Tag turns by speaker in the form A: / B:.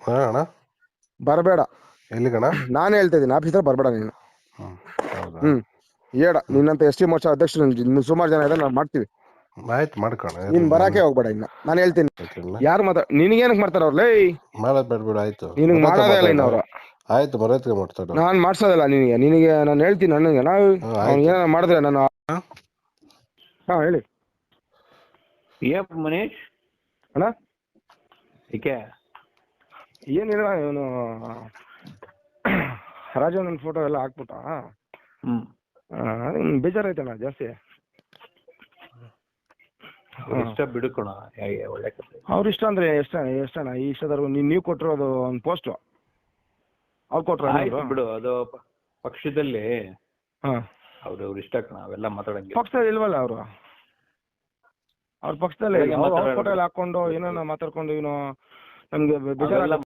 A: ಹಾ ಅಣ್ಣ
B: ಬರಬೇಡ.
A: ಎಲ್ಲಿ ಕಣ?
B: ನಾನು ಹೇಳ್ತಾ ಇದ್ದೀನಿ ಆಫೀಸರ್ ಬರಬೇಡ ನೀನು.
A: ಹೌದಾ?
B: ಹೇಳ ನಿನ್ನಂತ ಎಸ್.ಟಿ ಮೋರ್ಚಾ ಅಧ್ಯಕ್ಷರು ಸುಮಾರು ಜನ ಇದ್ದಾರೆ, ನಾವು ಮಾಡ್ತೀವಿ.
A: ಆಯ್ತು ಮಾಡ್ಕೋಣ.
B: ನೀನ್ ಬರಾಕೆ ಹೋಗ್ಬೇಡ. ಇನ್ನ ನಾನು ಹೇಳ್ತೀನಿ ಯಾರು ನಿನಗೇನಕ್ ಮಾಡ್ತಾರ ಅವ್ರು? ಲೈ
A: ಮಾಡೋದ್ ಬೇಡ ಆಯ್ತು.
B: ನಿನಗೆ ಮಾಡೋದೇ ಇಲ್ಲ ಇನ್ನು ಅವ್ರು.
A: ಆಯ್ತು ಮರ್ಯಾದೆಗೆ ಮಾತಾಡು.
B: ನಾನು ಮಾಡ್ಸೋದಿಲ್ಲ ನಿನಗೆ ನಾನು ಹೇಳ್ತೀನಿ. ನನಗೆ ಅವ್ನು ಏನಾರ ಮಾಡಿದ್ರೆ ನಾನು ಹಾ ಹೇಳಿ
C: ಮನೀಶ್
B: ಅಣ್ಣ.
C: ಏಕೆ
B: ಏನಿಲ್ಲ, ಇವನು ರಾಜಣ್ಣನ ಫೋಟೋ ಎಲ್ಲ ಹಾಕ್ಬಿಟ್ಟ. ಬೇಜಾರಾಯ್ತಣ್ಣ ಜಾಸ್ತಿ.
C: ಇಷ್ಟ ಬಿಡುಕೋಣ, ಒಳ್ಳೆ ಕಥೆ.
B: ಅವ್ರ ಇಷ್ಟ ಅಂದ್ರೆ ಎಷ್ಟಣ್ಣ ಈ ಇಷ್ಟದವ್ರು ನೀವು ಕೊಟ್ಟಿರೋದು ಒಂದು ಪೋಸ್ಟ್ ಅವ್ರು ಕೊಟ್ರ
C: ಬಿಡು. ಅದು ಪಕ್ಷದಲ್ಲಿ
B: ಹಾ
C: ಅವ್ರ ಇಷ್ಟ ಕಣ, ಅವೆಲ್ಲ ಮಾತಾಡಂಗಿಲ್ಲ.
B: ಪಕ್ಷದಲ್ಲಿ ಇಲ್ವಲ್ಲ ಅವರು. ಅವ್ರ ಪಕ್ಷದಲ್ಲಿ ಫೋಟೋ ಎಲ್ಲ ಹಾಕೊಂಡು ಏನೋ ಮಾತಾಡ್ಕೊಂಡು ಇವನು ನಮ್ಗೆ ಬೇಜಾರ